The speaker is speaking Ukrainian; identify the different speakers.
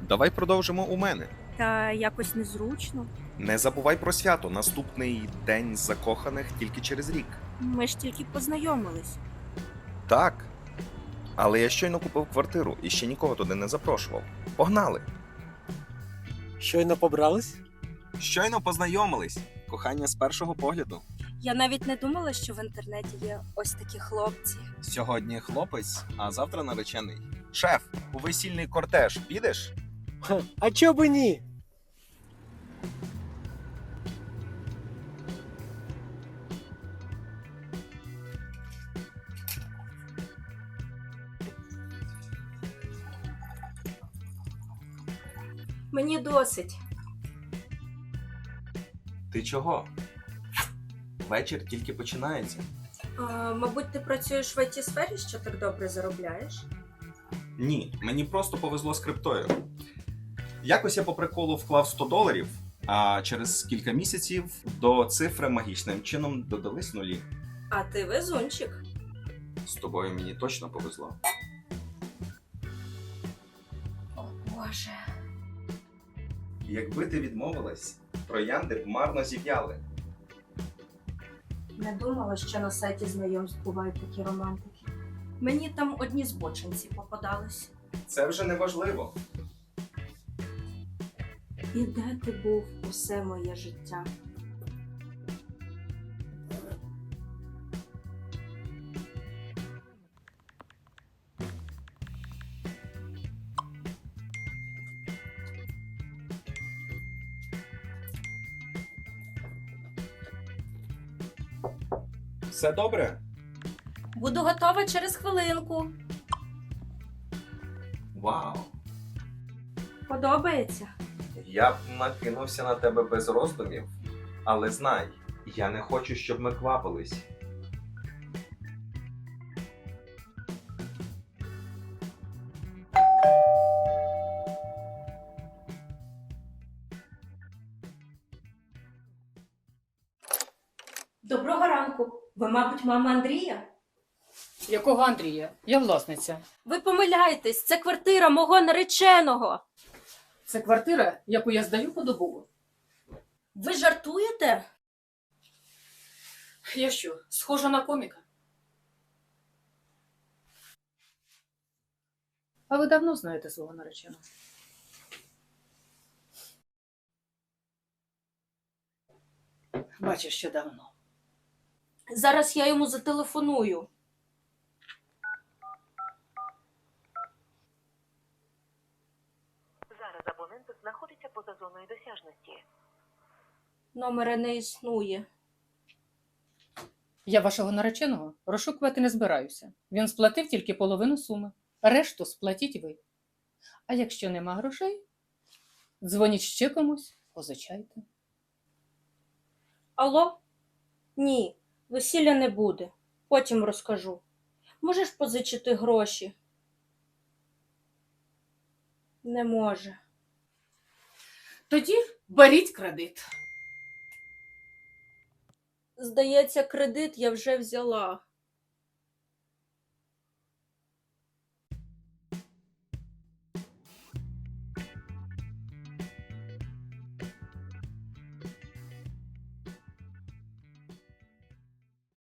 Speaker 1: Давай продовжимо у мене.
Speaker 2: Та якось незручно.
Speaker 1: Не забувай про свято. Наступний день закоханих тільки через рік.
Speaker 2: Ми ж тільки познайомились.
Speaker 1: Так. Але я щойно купив квартиру і ще нікого туди не запрошував. Погнали!
Speaker 3: Щойно побрались?
Speaker 1: Щойно познайомились. Кохання з першого погляду.
Speaker 2: Я навіть не думала, що в інтернеті є ось такі хлопці.
Speaker 1: Сьогодні хлопець, а завтра наречений. Шеф, у весільний кортеж підеш?
Speaker 3: Ха, а чо би ні?
Speaker 2: Мені досить.
Speaker 1: Ти чого? Вечір тільки починається.
Speaker 2: Мабуть, ти працюєш в IT-сфері, що так добре заробляєш?
Speaker 1: Ні, мені просто повезло з криптою. Якось я по приколу вклав $100, а через кілька місяців до цифри магічним чином додались нулі.
Speaker 2: А ти везунчик.
Speaker 1: З тобою мені точно повезло.
Speaker 2: О, Боже.
Speaker 1: Якби ти відмовилась, троянди б марно зів'яли.
Speaker 2: Не думала, що на сайті знайомств бувають такі романтики. Мені там одні збочинці попадались.
Speaker 1: Це вже не важливо.
Speaker 2: І де ти був усе моє життя?
Speaker 1: Все добре?
Speaker 2: Буду готова через хвилинку.
Speaker 1: Вау!
Speaker 2: Подобається?
Speaker 1: Я б накинувся на тебе без роздумів, але знай, я не хочу, щоб ми квапились.
Speaker 2: Доброго ранку. Ви, мабуть, мама Андрія?
Speaker 4: Якого Андрія? Я власниця.
Speaker 2: Ви помиляєтесь, це квартира мого нареченого.
Speaker 4: Це квартира, яку я здаю подобово.
Speaker 2: Ви жартуєте?
Speaker 4: Я що, схожа на коміка? А ви давно знаєте свого нареченого? Бачиш, що давно.
Speaker 2: Зараз я йому зателефоную.
Speaker 5: Зараз абонент знаходиться поза зоною досяжності.
Speaker 2: Номера не існує.
Speaker 4: Я вашого нареченого розшукувати не збираюся. Він сплатив тільки половину суми. Решту сплатіть ви. А якщо нема грошей, дзвоніть ще комусь, позичайте.
Speaker 2: Алло? Ні, весілля не буде. Потім розкажу. Можеш позичити гроші? Не може.
Speaker 4: Тоді беріть кредит.
Speaker 2: Здається, кредит я вже взяла.